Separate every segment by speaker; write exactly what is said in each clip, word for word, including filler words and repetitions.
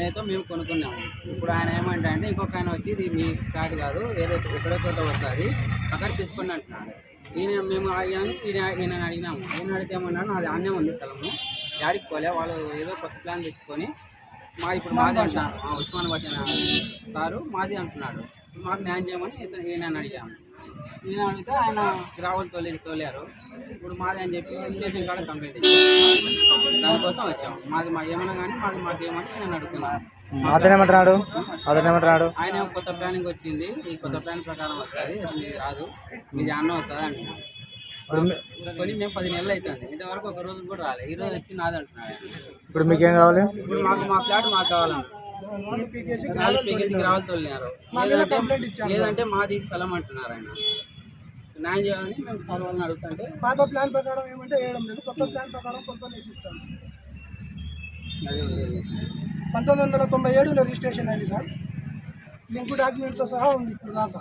Speaker 1: నేనైతే మేము కొనుక్కున్నాము. ఇప్పుడు ఆయన ఏమంటే అంటే ఇంకొక ఆయన వచ్చి ఇది మీ కార్డు కాదు వేరే ఎక్కడో చోట వస్తుంది అక్కడ తీసుకోండి అంటున్నాడు. ఈయన మేము అయ్యాను ఈయన ఈయన అడిగినాము. ఈయన అడిగితే ఏమన్నాడు నాది ఆన్నే ఉంది స్థలము డాడీకి పోలే వాళ్ళు ఏదో కొత్త ప్లాన్ తెచ్చుకొని మా ఇప్పుడు మాది అంటున్నారు ఉస్మానాబాద్ సారు మాది అంటున్నాడు. మాకు న్యాయం చేయమని ఇతను ఈయన అడిగాము. ఈయన అడిగితే ఆయన గ్రావెల్ తోలి తోలారు. ఇప్పుడు మాది అని చెప్పి రిజిస్ట్రేషన్ కార్డు కంప్లీట్ ఇచ్చాము. దానికోసం వచ్చాము. మాది మా ఏమన్నా కానీ మాది మాకు ఏమంటే నేను అడుగుతున్నాను.
Speaker 2: అతనేమంటున్నాడు అతనేమంటున్నాడు
Speaker 1: ఆయన కొత్త ప్లానింగ్ వచ్చింది ఈ కొత్త ప్లాన్ ప్రకారం వస్తుంది అది రాదు మీది అన్న వస్తుంది అంటున్నాడు. కొని మేము పది నెలలు అవుతుంది ఇంతవరకు ఒక రోజు కూడా రాలేదు. ఈ రోజు వచ్చి నాది అంటున్నాడు.
Speaker 2: ఇప్పుడు మీకేం కావాలి?
Speaker 1: ఇప్పుడు మాకు మా ఫ్లాట్ మాకు కావాలన్నారు. నాలుగు పీకేసీకి రావాలి తోలినారు. లేదంటే లేదంటే మాది స్థలం అంటున్నారు. ఆయన న్యాయం చేయాలని మేము సార్ వాళ్ళని అడుగుతుంటే
Speaker 3: పాత ప్లాన్ ప్రకారం ఏమంటే వేయడం లేదు కొత్త ప్లాన్ ప్రకారం కొంత ఇస్తాను. పంతొమ్మిది వందల తొంభై ఏడులో రిజిస్ట్రేషన్ అయింది సార్. లింక్ డాక్యుమెంట్తో సహా ఉంది ఇప్పుడు దాకా.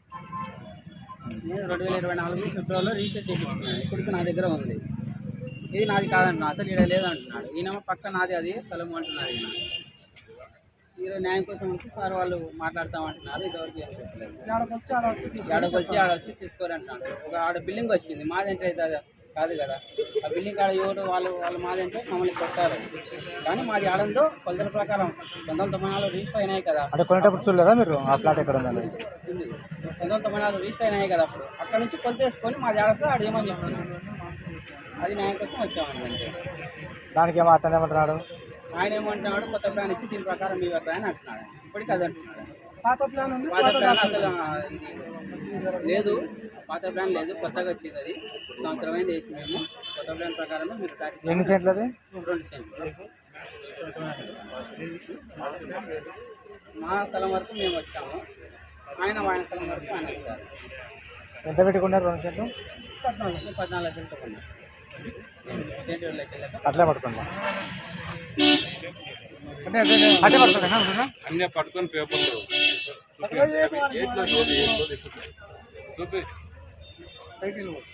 Speaker 1: నేను రెండు వేల ఇరవై నాలుగు ఫిబ్రవరిలో రిజిస్టర్ చేయించుకున్నాను. ఇప్పటికి నా దగ్గర ఉంది. ఇది నాది కాదంటున్నాను అసలు ఇక్కడ లేదంటున్నాడు. ఈయన పక్క నాది అది స్థలం అంటున్నారు. ఈయన ఈరోజు న్యాయం కోసం వచ్చి సార్ వాళ్ళు మాట్లాడతామంటున్నారు. ఇదివరకు ఏం చెప్పలేదు. ఆడకు వచ్చి ఆడ వచ్చి తీసుకోరు అంటున్నాడు. ఒక ఆడ బిల్డింగ్ వచ్చింది మాది అంటే అయితే కాదు కదా. ఆ బిల్డింగ్ ఆడ ఎవరు వాళ్ళు వాళ్ళు మాది అంటే మమ్మల్ని కొట్టారు. కానీ మాది ఆడంతో కొలతల ప్రకారం పంతొమ్మిది తొంభై నాలుగు రిజిస్టర్ అయినాయి కదా.
Speaker 2: అంటే కొనేటప్పుడు చూడలేదా మీరు ఆ ఫ్లాట్ ఎక్కడ ఉందని?
Speaker 1: పంతొమ్మిది తొంభై నాలుగు రిజిస్టర్ అయినాయి కదా. అప్పుడు అక్కడ నుంచి కొలత వేసుకొని మాది ఆడస్తే ఆడ ఏమని చెప్తున్నాడు. అది న్యాయం కోసం వచ్చామండి అంతే.
Speaker 2: దానికి ఏమో అతను ఏమంటున్నాడు?
Speaker 1: ఆయన ఏమంటున్నాడు కొత్త ప్లాన్ ఇచ్చి దీని ప్రకారం మీ వ్యవసాయాన్ని అంటున్నాడు. ఇప్పటికీ అది అంటున్నాడు.
Speaker 3: పాత ప్లాన్ ఉంది
Speaker 1: పాత ప్లాన్ అసలు ఇది లేదు. పాత ప్లాన్ లేదు కొత్తగా వచ్చింది. అది సంవత్సరం అయింది వేసి మేము కొత్త ప్లాన్ ప్రకారమే మీరు
Speaker 2: ఎన్ని సెంట్లు అది?
Speaker 1: రెండు సెంట్లు మా స్థలం వరకు మేము వచ్చాము. ఆయన ఆయన స్థలం వరకు ఆయన వచ్చారు.
Speaker 2: ఎంత పెట్టుకున్నారు రెండు సెంట్లు?
Speaker 1: పద్నాలుగు పద్నాలుగు లక్షలతో కొన్నారు. సెంటు రెండు లక్షలతో
Speaker 2: అట్లే పట్టుకున్నా అంటే అట్టే పట్టుకున్నా
Speaker 4: అన్నీ పట్టుకొని పేపర్లు చూపి